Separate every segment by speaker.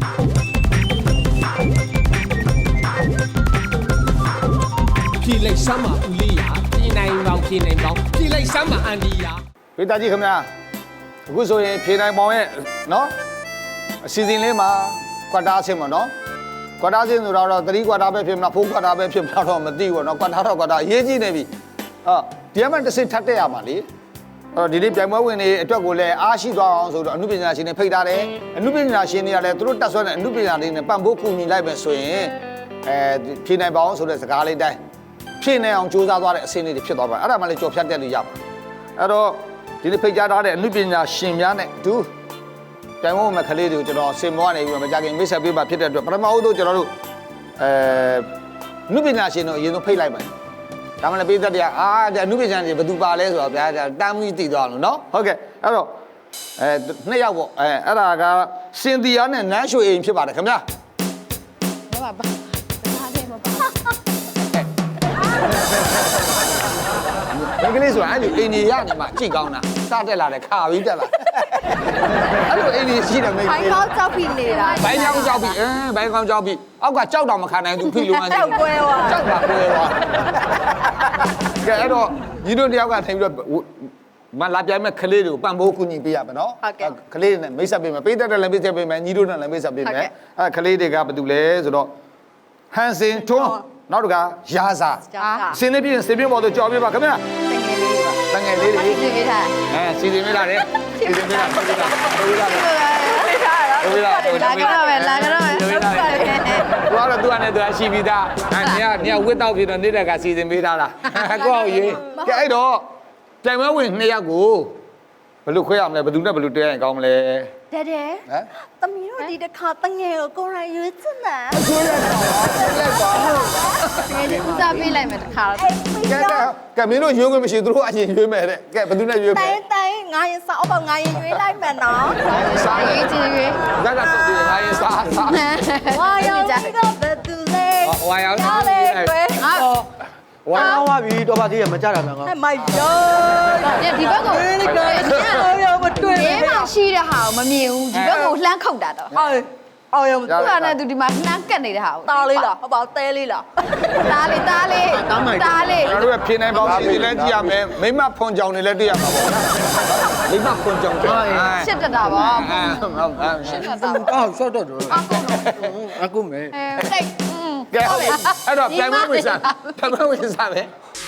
Speaker 1: ဖြေလိုက်စမ်းပါဦးလေးရပြည်နိုင်ပေါင်းဖြေနိုင်ပေါင်းဖြေလိုက်စမ်းပါအန်ဒီယာ
Speaker 2: ဖေးသားကြီးခင်ဗျာအခုဆိုရင်ဖြေနိုင်ပေါင်းရဲ့နော်အစီအစဉ်လေးမှာကွာတာအဆင့်ပေါ့နော်ကွာတာအဆင့်ဆိုတော့3ကွာတာပဲဖြစ်မလား4ကွာတာပဲဖြစ်မလားတော့မသိဘူးနော်ကွာတာတော့ကွာတာအရေးကြီးနေပြီဒီကမှတစ်စစ်ထပ်တက်ရမှာလေဒီနေ့ပြိုင်ပွဲဝင်တွေအတွက်ကိုလည်းအားရှိသွားအောင်ဆိုတော့အမှုပညာရှင်တွေဖိတ်ထားတယ်အမှုပညာရှင်တွေကလည်းသူတို့တက်ဆွဲတဲ့အမှုပညာတွေနဲ့ပံ့ပိုးကူညီလိုက်ပဲဆိုရင်ဖြေနိုင်ပေါင်းဆိုတဲ့စကားလေးတိုင်းဖြေနိုင်အောင်ကြိုးစားသွားတဲ့အဆင့်လေးတွေဖြစ်သွားပါအဲ့ဒါမှလည်းကြော်ဖြတ်တက်လို့ရပါအဲ့တော့ဒီနေ့ဖိတ်ကြားထားတဲ့အမှုပညာရှင်များနဲ့အတူပြိုင်ပွဲဝင်မဲ့ကလေးတွေကိုကျွန်တော်စင်မောကနေပြီးမကြခင်မိတ်ဆက်ပေးပါဖြစ်တဲ့အတွက်ပထမဦးဆုံးကျွန်တော်တို့အမှုပညာရှင်တို့အရင်ဆုံးဖိတ်လိုက်ပါဒါမှလည်းပေးသက်တရားအမှုပညာရှင်ဘယ်သူပါလဲဆိုတော့ဗျာတမ်းပြီးတည်သွားလို့နော်ဟုတ်ကဲ့အဲ့တော့နှစ်ယောက်ပေါ့အဲ့ဒါကစင်တီယာနဲ့နန်းရွှေအိမ်ဖြစ်ပါတယ်ခင်ဗျာ
Speaker 3: ဘာပါဘာလဲမပါ
Speaker 2: ဒီကလေးဆိုတာအဲ့ဒီအိမ်ကြီးရနေမှာကြိတ်ကောင်းတာစတက်လာတယ်ခါပြီးတက်လာအဲ့လိုအိမ်ကြီးရှိတယ်မိတ်
Speaker 3: ဘိုင်းကောင်းကြောက်ပြီးနေတာ
Speaker 2: ဘိုင်းကောင်းကြောက်ပြီးဘိုင်းကောင်းကြောက်ပြီးအောက်ကကြောက်တော့မခံနိုင်သူဖိလို့မှန်းကြောက်ကွဲသွားကြောက်ပါကွဲသွားကဲအဲ့တော့ညီတို့တယောက်ကထိုင်ပြီးတော့မလာပြိုင်မဲ့ကလေးတွေကိုပံ့ပိုးကူညီပေးရမယ်နော်ကလေးတွေနဲ့မိတ်ဆက်ပေးမယ်ပေးတတ်တယ်လည်းမိတ်ဆက်ပေးမယ်ညီတို့နဲ့လည်းမိတ်ဆက်ပေးမယ်အဲ့ကလေးတွေကဘာတူလဲဆိုတော့ဟန်စင်ထွန်းနောက်တကရာစာစင်းနေပြင်းစင်ပြင်းပေါ်တော့ကြော်ပြပါခင်ဗျာတငယ်လေးတွေစီစဉ်ပေးထားစီစဉ်ပေးထားတယ်စီစဉ်ပေးထားပေးထား
Speaker 3: လာကြတော့မယ်သူ
Speaker 2: ကတော့သူကနေသူရှိပြီးသားညဝစ်တော့ပြီးတော့နေတဲ့ကစီစဉ်ပေးထားလားကိုယ့်ရေးကဲအဲ့တော့ပြိုင်ပွဲဝင်2ယောက်ကိုဘယ်လိုခွဲရမလဲဘယ်သူနဲ့ဘယ်လိုတဲရင်ကောင်းမလဲ
Speaker 3: တဲ့တဲ့သမီးတို့ဒီတစ်ခါတငယ်ကိုကိုရိုင်းရွေးချင်တာ
Speaker 2: ဆွေးလိုက်ပါ
Speaker 3: ဒီဦးစားပေးလိုက်မယ်တစ်ခါ
Speaker 2: ကဲမင်းတို့ရွေးခွင့်မရှိသူတို့အရင်ရွေးမယ်တဲ့ကဲဘယ်သူနဲ့ရွေးမယ်
Speaker 3: တိုင်းငါရင်စားအောင်ငါရင်ရွေးလိုက်မယ်နော်
Speaker 2: စား
Speaker 3: ရေးချင်ရွေး
Speaker 2: ဒါကတော့ငါရင်စား
Speaker 3: ဝါရောင်ကြီးကဘယ်သူလဲ
Speaker 2: ဝါရောင်ကြီး
Speaker 4: ဝါရောပါပြီတော့ပါသေးရမကြတာများကော
Speaker 3: မိုက်ရောဒီဘက်ကိုရောမတွေ့ဘူးဒီမှာရှိတဲ့ဟာကိုမမြင်ဘူးဒီဘက်ကိုလှမ်းခုတ်တာတော့
Speaker 4: အောင်ရ
Speaker 3: သူကလည်းသူဒီမှာနှမ်းကက်နေတဲ့ဟာကိုတားလေးလားဟုတ်ပါတဲလေးလားတားလေး
Speaker 2: ကျွန်တော်တို့ဖြေနိုင်ပေါင်းစီလဲကြည့်ရမယ်မိမဖွန်ကြောင်တွေလည်းတွေ့ရမှာပေါ့မိမဖွန်ကြောင်
Speaker 3: ရှစ်တတာပါ
Speaker 2: ရှစ်တတာ
Speaker 4: အော်ဆော့တော့တော့အခုမဲ
Speaker 3: တိတ်
Speaker 2: ကဲဟုတ်ပြီအဲ့တော့ပြန်မဝင်စားပဲ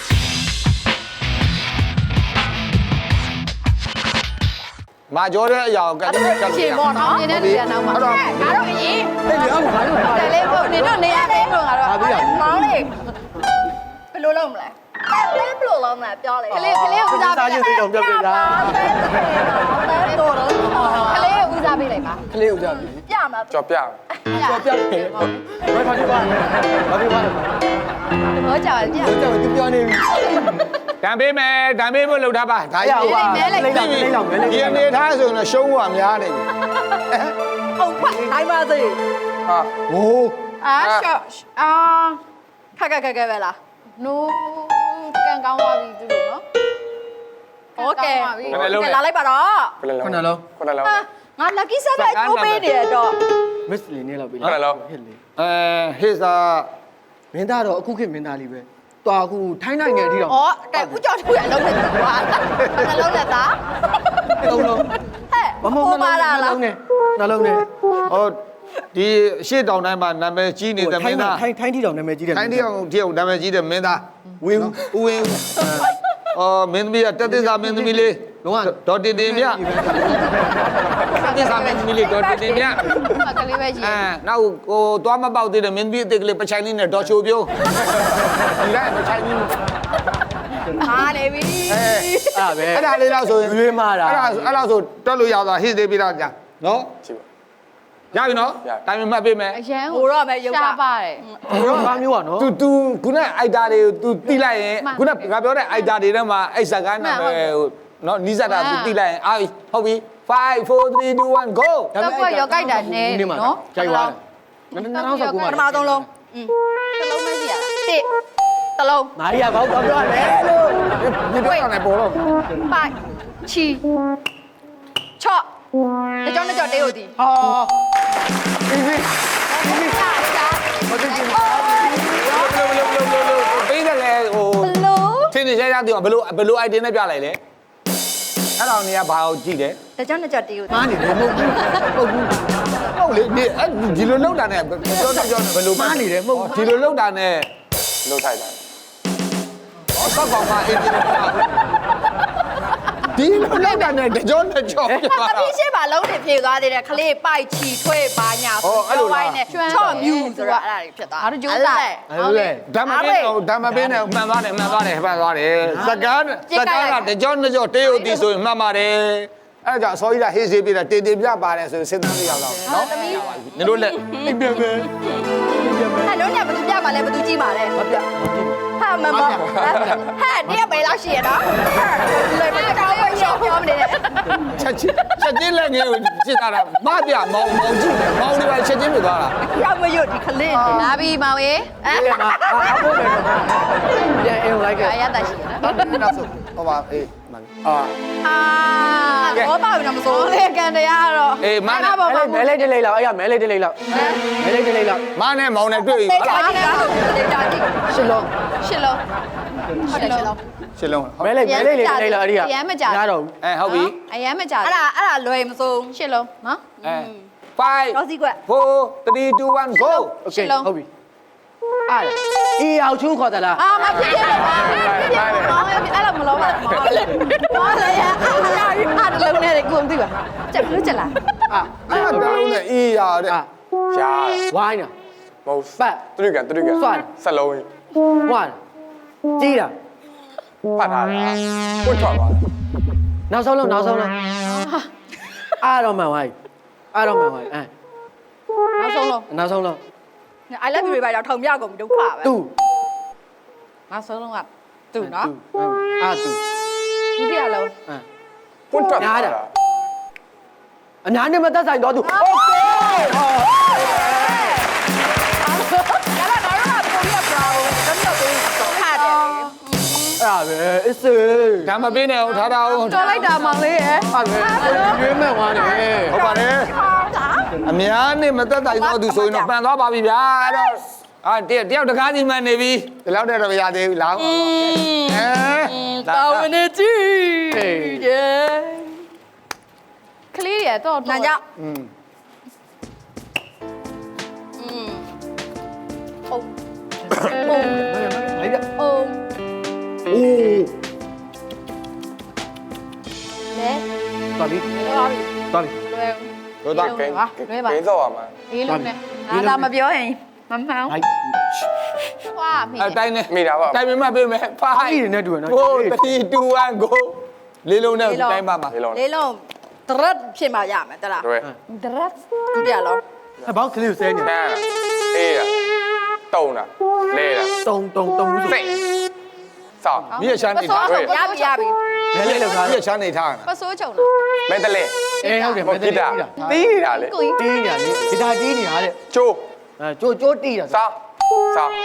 Speaker 2: မာကျော်တဲ့အရာကိုကတိချက်
Speaker 3: ရှင်ပေါ့နော်နေနေရနောက်မှာငါတို့အရင်
Speaker 4: ဟဲ့လေအော်ငါတို့
Speaker 3: တယ်လေးဖို့နေတော့နေရတဲ့လို့ငါတို့မောင်းလေးဘယ်လိုလုပ်မလဲဘယ်လိုလုပ်မလဲပြောလေကလေးဦးစားပေး
Speaker 4: စားရုပ်တွေတော့ပြောပြတာ
Speaker 3: တော်တော့ကလေးဦးစားပေးလိုက်ပါ
Speaker 4: ကလေးဦးစားပေး
Speaker 3: ပြမှာ
Speaker 2: ကြော်ပြ
Speaker 4: တယ်ဘယ်ဖာဒီပါဘာဒီပါ
Speaker 3: ဘောကြော်ပြ
Speaker 4: တော့သူပြောနေပြီ
Speaker 2: တန်ပေးမယ်တန်ပေးဖို့လုပ်ထားပါဒါ
Speaker 4: ရပါ
Speaker 2: ဒီအနေထားဆိုရင်ရှုံးဖို့များနေပြီ
Speaker 3: ဟုတ်ပါတိုင်းပါစေ
Speaker 2: ဟာဟိုး
Speaker 3: ရှော့ခက်ပဲလားနိုးကန်ကောင်းသွားပြီသူတို့နော်โอเคလာလိုက်ပါတော့
Speaker 4: ခုနလုံး
Speaker 3: ငါ lucky set လိုက်တိုးပေးနေတော့
Speaker 4: miss လေးနေလောက်ပြီ
Speaker 2: ဟစ်လေဟစ်စာ
Speaker 4: မင်းသားတော့အခုခေတ်မင်းသားလေးပဲတော်အခုထိုင်းနိုင်ငံအထိတော့
Speaker 3: ဩတဲ့ဦးကျော်သူရလုံးနေကွာနှလုံးနဲ့သား
Speaker 4: လုံးလုံး
Speaker 3: ဟဲ့မမပါလား
Speaker 4: နှလုံးနဲ့
Speaker 2: ဟောဒီရှေ့တောင်တိုင်းမှာနာမည်ကြီးနေတဲ့မင်းသား
Speaker 4: ထိုင်းထီတောင်နာမည်ကြီးတယ်
Speaker 2: ထိုင်းထီတောင်နာမည်ကြီးတဲ့မင်းသားဝင်းမင်းသမီးကတက်သစ္စာမင်းသမီးလေး
Speaker 4: လုံးဝ
Speaker 2: ဒေါ်တင်တင်မြတက်သစ္စာမင်းသမီးလေးဒေါ်တင်တင်မြ
Speaker 3: ကလေးပဲကြီး
Speaker 2: နောက်ဟိုသွားမပေါက်သေးတယ်မင်းသမီးအစ်ကလေးပချိုင်လေးနဲ့ဒေါ်ချိုပြိုးဒီလိုက်ပချိုင်လေး
Speaker 3: ဟာလေပြီ
Speaker 2: အဲ့ဒါလေးတော့ဆိုရင်
Speaker 4: ရွေးမှားတာ
Speaker 2: အဲ့ဒါဆိုတက်လို့ရသွားဟစ်သေးပြီလားကြာနော်ရပြီနော်တိုင်မမှတ်ပေးမယ်
Speaker 3: အရန်ဟိုတော့ပဲရုပ်က
Speaker 4: ပါတယ်ဟိုတော့ဘာမျိုးอ่ะနော်
Speaker 2: तू ခုနအိုက်တာတွေကို तू တိလိုက်ရင်ခုနငါပြောတဲ့အိုက်တာတွေထဲမှာအိုက်စကားနာမည်ဟိုနော်နီးစပ်တာ तू တိလိုက်ရင်ဟုတ်ပြီ5 4 3 2 1 go
Speaker 3: တော့ရောကြိုက်တာနဲနော်
Speaker 4: ကြိုက်သွား2019မှာ
Speaker 3: ပထမဆုံးလုံးတစ်လုံးပဲရှိရတာတစ်လုံး
Speaker 4: မာရီယာဘောက်တော့ပြောရတယ်လို့
Speaker 2: ဒီတော့လည်းပေါ်တော့
Speaker 3: ပိုက်ချီချော့တကြောင်တေးဟုတ်သည်
Speaker 4: ဟာ easy
Speaker 2: သိအောင်ဘယ်လို item နဲ့ပြလိုက်လဲအဲ့တော့နေကဘာကိုကြည့်တယ်
Speaker 3: တကြောင်နှစ်ကြောင်တီးကို
Speaker 4: မားနေတယ်မဟုတ်ဘူး
Speaker 2: ဟုတ်လေဒီလိုလောက်တာနဲ့ပြောဘယ်လို
Speaker 4: မားနေတယ်မဟုတ်ဘူး
Speaker 2: ဒီလိုလောက်တာနဲ့
Speaker 5: လှုပ်ထိုက်တာ
Speaker 2: စောက်ကောင်မအေးဒီလိုလောက်တာနဲ့ကြောနဲ့ကြော
Speaker 3: တပီးရှိပါလုံးတွေဖြေသွားသေးတယ်ခလေးပိုက်ချီထွေးပါညာချော့မြူဆိုတာအဲ့ဒါတွေဖြစ်သွားဟုတ်တယ်
Speaker 4: ဟုတ်လေ
Speaker 2: ဓမ္မပင်းနဲ့မှန်သွားတယ်စကားကကြောနဲ့ကြောတေးဥတီဆိုရင်မှန်ပါတယ်အဲ့ကြောင့်အစောကြီးကဟေးစေးပြီးတာတေးပြပါတယ်ဆိုရင်စဉ်းစားလို့ရတော့နော်နေလို့လက်အိမ်ပြန်ပဲ
Speaker 3: ဟာလုံးညဘသူပြပါလဲဘသူကြည့်ပါလဲ
Speaker 4: မပြ
Speaker 3: ဟာမမဟာတရက်ပဲလောက်ရှိရတော့လွယ်မကောင်းဘူးရှောပြောမနေနဲ့
Speaker 2: ချက်ချင်းလက်ငယ်ကိုစစ်တာမပြမောင်ကြည့်မောင်တွေပါချက်ချင်းပြသွားတာ
Speaker 3: ရောက်မရွတ်ဒီခလေးလာပြီမောင်ရေ
Speaker 4: အဲ့ဒါအဖို့တယ်ပြန်အင်းလိုက်ခဲ့
Speaker 3: အရသာရှိရနော်
Speaker 2: နောက်ဆုံးဟောပါအေးမှန်
Speaker 5: အာ
Speaker 3: ဘောပါဘူးနော်မစိုးလေကန်တရားကတော့
Speaker 2: အေးမနဲ့
Speaker 4: မဲလိုက်တလေးလောက်အဲ့ရမဲလိုက်တလေးလောက်မဲလိုက်တလေးလောက်
Speaker 2: မနဲ့မောင်နဲ့တွေ့ပြီ
Speaker 3: တေးတာကြည့်တာတေးတာကြည့်
Speaker 4: ရှစ်လုံး
Speaker 3: ရှစ်လုံးရှစ်လုံး
Speaker 2: ရှင်းလုံး
Speaker 4: မဲလိုက်လေးလောက်အဲ့ဒီကရတော့
Speaker 2: ဟုတ်ပြီ
Speaker 3: အရမ်းမကြအဲ့ဒါလွယ်မစိုးရှစ်လုံးနော်
Speaker 2: 5
Speaker 3: တော့စီကွက်
Speaker 2: 4 3 2 1 go
Speaker 4: โอเคဟုတ်ပြီအဲ့အေးအောင်ချုံးခေါ်တယ်လား
Speaker 3: မဖြစ်ဖြစ်လို့ပါဖြစ်ဖြစ်မောင်အဲ့လိုမလုံးပါမောင်လေမောင်လေအားတလုံးနဲ့ကိုမသိပါချက်လို့ချက်လား
Speaker 2: အဲ့ဒါလုံးနဲ့အေးရတဲ့
Speaker 5: ရှား
Speaker 4: ဝိုင်းတာ
Speaker 5: မဟုတ်
Speaker 4: ပတ်
Speaker 5: သူတို့ကဆက်လုံးကြီး
Speaker 4: ဝိုင်းကြီးတာ
Speaker 5: ပတ်ထားတာပွတ်ထွက်သွား
Speaker 4: နောက်ဆုံးလုံးအားတော့မှန်ဝိုင်းအားတော့မှန်ဝိုင်းအဲ
Speaker 3: နောက်ဆုံးလုံး
Speaker 4: နောက်ဆုံးလုံး
Speaker 3: I love you တွေပါတော့ထုံပြကုန်ဒုက္ခပဲ
Speaker 4: တူ
Speaker 3: နောက်ဆုံးလုံးကသူ့နော်
Speaker 4: အာတူ
Speaker 3: ဒုတိယလုံး
Speaker 4: အဲ
Speaker 5: ပွတ်ထွက်သွားတာ
Speaker 4: အများနဲ့မသက်ဆိုင်တော့သူโอเค
Speaker 3: ရလာတော့ကိုရီးယားဘရာဝတမျိုးကိုတော့ခါတယ်
Speaker 4: အဲ့ဒါပဲအစ်စေ
Speaker 2: ဒါမပေးနဲ့ထားတာအောင်
Speaker 3: တော်လိုက်တာမောင်လေးရဲ့
Speaker 4: အဲ့ဒါရွေးမဲ့ဝါနေ
Speaker 2: ဟုတ်ပါတယ်အများနဲ့မသက်တိုင်တော့သူဆိုရင်တော့ပန်သွားပါပြီဗျာအဲ့တော့တယောက်တကားစီမှန်နေပြီဒီလောက်တည်းတော့မရသေးဘူးလား
Speaker 3: တောင်းနေကြည့်တယ်ကလေးရတော့နာကြဟုတ်ဟုတ်
Speaker 4: လိုက်ပြ
Speaker 3: ဟုတ်
Speaker 4: အိုး
Speaker 3: လဲ
Speaker 4: တော်ပြီ
Speaker 3: တော်ပြီ
Speaker 4: တော်ပြီ
Speaker 3: လွယ်
Speaker 2: တို့တော့
Speaker 5: ဂိမ်းတော့ရမှာ
Speaker 3: အေးလုံးနဲ့ငါသာမပြောရင်မမှန်
Speaker 4: လိုက်
Speaker 3: ွာမိ
Speaker 2: အတိုင်းနဲ့
Speaker 5: မိတာပါ
Speaker 2: တိုင်မပေးမယ်ဖို
Speaker 4: အားရနေတူနော်
Speaker 2: 4 3 2 1 go လေးလုံးနဲ့တိုင်းပါမှာ
Speaker 5: လေးလုံး
Speaker 3: လေးလုံးဒရက်ဖြစ်မှရမယ်တလား
Speaker 5: တွေ့
Speaker 3: ဒရက်ဒုတိယလုံး
Speaker 4: အဘောက်ကလေးကိုဆဲနေ
Speaker 5: ချမ်းအေးတာတုံတာလဲတာ
Speaker 4: တုံဘူးဆို
Speaker 5: စိတ်စောင်း
Speaker 2: မြည့်ချမ်းနေထား
Speaker 3: ရပြီရပြီ
Speaker 4: မဲလေးလောက်ထား
Speaker 2: မြည့်ချမ်းနေထား
Speaker 3: ပစိုးချုံလား
Speaker 5: မဲတလဲ
Speaker 4: အေးဟုတ်တယ်
Speaker 5: မ
Speaker 4: မဲ
Speaker 5: ဂီ
Speaker 4: သေး
Speaker 5: တာ
Speaker 4: တာ
Speaker 5: တီးနေတာလေ
Speaker 3: ကိုကြီး
Speaker 4: တီးညာလေဂီတာတီးနေတာတဲ့
Speaker 5: ချိုး
Speaker 4: အဲကျိုးတီးတာ
Speaker 5: စောင်းစောင်း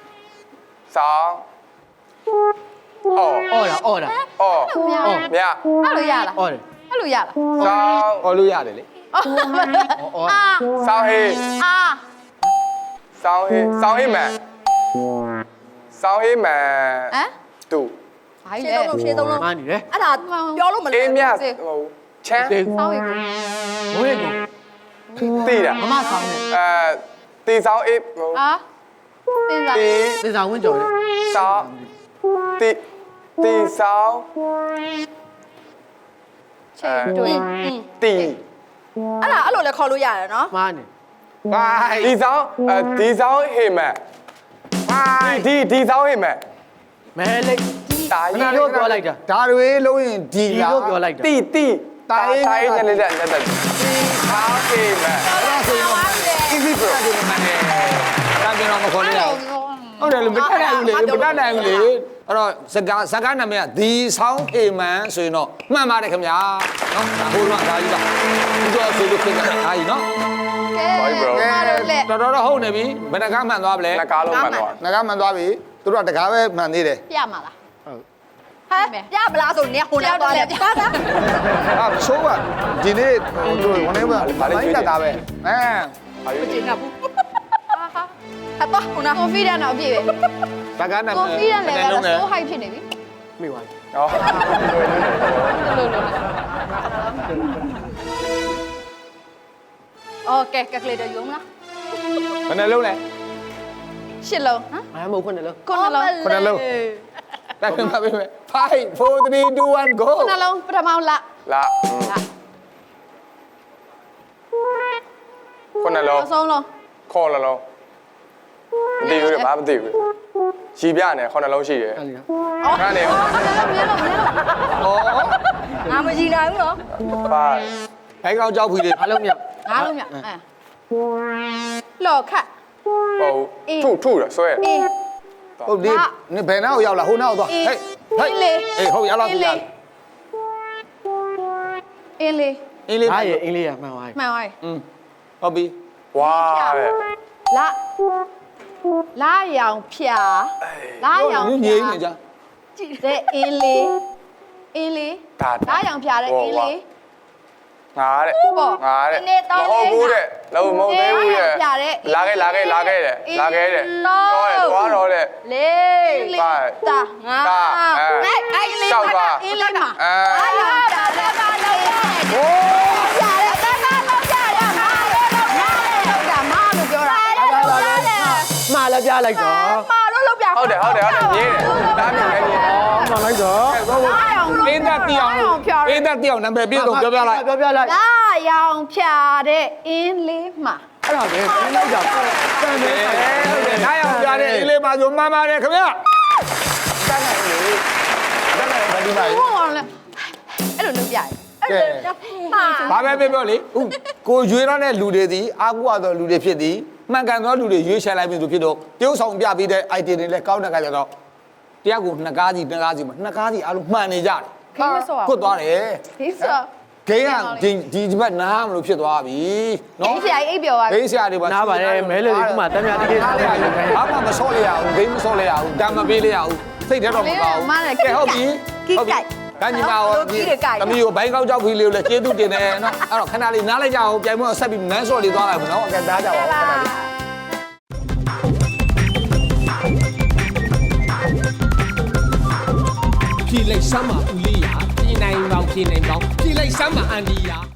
Speaker 5: အော်
Speaker 4: အော်တာ
Speaker 5: အော် မြ
Speaker 3: အဲ့လိုရလား
Speaker 4: အော်တယ်
Speaker 3: အဲ့လိုရလား
Speaker 5: စောင်း
Speaker 2: ဟောလို့ရတယ်လေ
Speaker 3: အာ
Speaker 5: စောင်းဟေး
Speaker 3: အာ
Speaker 5: စောင်းဟေးစောင်းဟေးမန်စောင်းဟေးမန်
Speaker 3: ဟမ်
Speaker 5: တူ
Speaker 3: ဘာကြီးလဲရှင်းသုံးလုံး
Speaker 4: မားနေတယ်
Speaker 3: အဲ့ဒါပြောလို့မလဲ
Speaker 5: အေးမြဟိုချမ်း
Speaker 4: တေး
Speaker 3: စောင်းရီ
Speaker 4: ဝေးကို
Speaker 5: တီးတာ
Speaker 4: မမဆောင်နေ
Speaker 5: တီစောင်းအေးဟို
Speaker 3: အာသင်္သာ
Speaker 5: တီ
Speaker 4: သစ္စာဝင်းကြော်တယ်
Speaker 5: စောင်းတီစောင်း
Speaker 3: ချိန်တွင်
Speaker 5: တီ
Speaker 3: အဲ့လိုလည်းခေါ်လို့ရတယ်နော်
Speaker 4: မားနေ
Speaker 2: ဘိုင်
Speaker 5: ဒီစောင်းဒီစောင်းဟေမန်
Speaker 2: ဘိုင်
Speaker 5: ဒီစောင်းဟေမန်
Speaker 4: မဲလေး
Speaker 5: တာ
Speaker 4: ဒီ
Speaker 5: ကြီး
Speaker 4: လိုပြောလိုက်တာ
Speaker 2: ဒါတွေလုံးရင်ဒီ
Speaker 4: ဒီ
Speaker 2: လား
Speaker 4: လိုပြောလိုက်တာ
Speaker 5: တီတိုင်းနဲ့လည်းလက်ဒီစောင်းဟေမန်
Speaker 2: easy bro ဒီမှာနေဒါပြန်တော့မခေါ်လို့ရဟုတ်တယ်လေမတတ်နိုင်ဘူးလေမတတ်နိုင်ဘူးလေအဲ့တော့စကားနာမည်ကဒီဆောင်းအေမန်ဆိုရင်တော့မှန်ပါတယ်ခင်ဗျာနော်ဒါဟိုတော့ဒါကြီးပါဒီတော့ဆိုလို့ခင်ဗျာအားကြီးနော် တော်ဟုတ်နေပြီဘယ်နှကားမှန်သွားပြီလဲ
Speaker 5: နှကားလုံးမှန်သွား
Speaker 2: နှကားမှန်သွားပြီသူတို့ကတကားပဲမှန်သေးတယ်
Speaker 3: ပြမှာလားဟုတ်ဟဲ့ပြမလားဆိုနေဟိုလည်းသွားတယ်ပြတာ
Speaker 2: အာဆိုးကဒီနေ့တို့ဝင်နေပါလိုက်တာပဲအဲ
Speaker 5: အာယူ
Speaker 3: ကျင်းတာဘူးဟာတော့ဟိုနာ confident တော့ပြည့်ပဲ
Speaker 2: စကားနာမည်
Speaker 3: confident level ဆို high ဖြစ်နေပြီ
Speaker 4: မိသွားပြီ
Speaker 5: ဟောလွယ်လွယ်
Speaker 3: လို့โอเคကက်ကူလေတာယုံလား
Speaker 2: ဘယ်နှလုံးလဲ
Speaker 3: ရှစ်လုံးဟမ်
Speaker 4: အားမဟုတ်ခွန်းတယ်လို့
Speaker 3: ခုနှလုံး
Speaker 2: ခုနှလုံးတိုက်ပြန်ပါပြီမယ်5 4 3 2 1 go
Speaker 3: ခုနှလုံးပထမလ
Speaker 5: လာ ခုနလုံး
Speaker 3: အဆုံးလုံး
Speaker 5: ခေါ်လုံးလုံးမသိဘူးဘာမသိဘူးရီပြနဲ့ခုနလုံးရှိတယ်
Speaker 4: အဲ့ဒီနော်
Speaker 5: ခါနေ
Speaker 3: မြင်လို့မြင်လို့
Speaker 2: ဩ
Speaker 3: ငါမကြည့်နိုင်ဘူးနော်
Speaker 5: ပါ
Speaker 2: ဘိုင်းကောင်းကြောက်ဖီလေး
Speaker 4: အားလုံးမြောက်
Speaker 3: ငါလုံးမြအဲလော်ခတ်
Speaker 5: ဟုတ်ထုရဆွဲ
Speaker 3: အေး
Speaker 2: ဟုတ်ဒီနင်ဘယ်နာကိုရောက်လာဟိုနာကိုသွားဟေးဟေးအေးဟုတ်ရောက်လာပြီ
Speaker 3: အင်းလေး
Speaker 2: အင်းလေး
Speaker 4: အားရအင်္ဂလိပ်ကမှန်သွားပြီ
Speaker 3: မှန်ပါပြီ
Speaker 2: ဟုတ်ပြီ
Speaker 5: ဝါတဲ့
Speaker 3: လာရောင်ဖြာလာရောင်
Speaker 2: ငြိမ်းနေကြ
Speaker 3: ကြည့်တဲ့အင်းလေးအင်းလေးလာရောင်ဖြာတဲ့အင်းလေး
Speaker 5: ငါတဲ့
Speaker 3: ပေါ့
Speaker 5: ငါတဲ့
Speaker 3: ဒီနေ့တောင်း
Speaker 5: မဟုတ်ဘူးတဲ့လုံးမဟုတ်သေးဘူးတဲ့
Speaker 3: ပြတဲ့
Speaker 5: လာခဲ့တဲ့သွားတော့တဲ့
Speaker 3: လေးတာငါအဲ့လေး
Speaker 5: ရှောက်သွား
Speaker 3: အင်းလေးမှာ
Speaker 5: အဲ
Speaker 3: လာရောင်ဖြာတဲ့ဘာလို့လဲဟိုးဖြာတဲ့ဘာလို့ဖြာရမှာလောက်တာမလို့ပြောတာ
Speaker 4: မှားလည်းပြလိုက်တော့
Speaker 3: မာလို့လောက်ပြ
Speaker 5: ဟုတ်တယ်မြင်တယ်ဒါမျိုးလည်းမြင်တယ်
Speaker 4: မှားလိုက်တော့
Speaker 3: လာရောင်
Speaker 2: အင်းသက်တီအောင်အင်းသက်တီအောင်နံပါတ်ပြည့်စုံပြောပြလိုက်
Speaker 4: ပြောပြလိုက်
Speaker 3: လာရောင်ဖြာတဲ့အင်းလေးမှာ
Speaker 4: အဲ့ဒါပဲပြန်လိုက်တာတန်တယ်
Speaker 2: ဟုတ်တယ်နားရောက်ပြတဲ့အင်းလေးပါဆိုမှန်ပါတယ်ခင်ဗျာတန်းနိုင်လေတန်းနိုင်ဘာဒီပါလဲ
Speaker 3: ဟုတ်ပါလားအဲ့လိုလုပ်ပြရတယ်အဲ့လိုဟာ
Speaker 2: ဘာပဲပြောလေကိုရွေးတော့တဲ့လူတွေသည်အာကူရသောလူတွေဖြစ်သည်မှန်ကန်သောလူတွေရွေးချယ်လိုက်ပြီဆိုဖြစ်တော့တရုပ်ဆောင်ပြပြီးတဲ့ item တွေလည်းကောင်းတဲ့ခါကျတော့တရားကိုနှစ်ကားစီမှာနှစ်ကားစီအားလုံးမှန်နေကြတယ်
Speaker 3: ခိမစော
Speaker 2: ကွတ်သွားတယ်
Speaker 3: ခိစော
Speaker 2: ဂိမ်းကဒီဘက်နားမလို့ဖြစ်သွားပြီ
Speaker 3: နော်
Speaker 2: နော်
Speaker 3: ဆရာအိပ်ပြောပါ
Speaker 2: ဂိမ်းဆရာတွေပါ
Speaker 4: နားပါတယ်မဲလေဒီမှာတမ်းများတိတိကျကျလေးခိုင်း
Speaker 2: ဘာမှမဆော့လိုက်ရဘူးဂိမ်းမဆော့လိုက်ရဘူးတမ်းမပေးလိုက်ရဘူးစိတ်ထဲတော့မကောင်းဘူးဟုတ်ပြီကညီမရောတမီးကိုဘိုင်းကောက်ကြောက်ဖီးလေးကိုလည်းကျေးဇူးတင်တယ်နော်အဲ့တော့ခဏလေးနားလိုက်ကြအောင်ပြိုင်ပွဲဆက်ပြီးနန်းဆော့လေးသွားလိုက်မနော်အကဲသားကြပါဦးခဏလေး
Speaker 1: ဖြေလိုက်စမ်းပါဦးလေးရာပြည်နိုင်ပေါင်းဖြေနိုင်ပေါင်းဖြေလိုက်စမ်းပါအန်ဒီယာ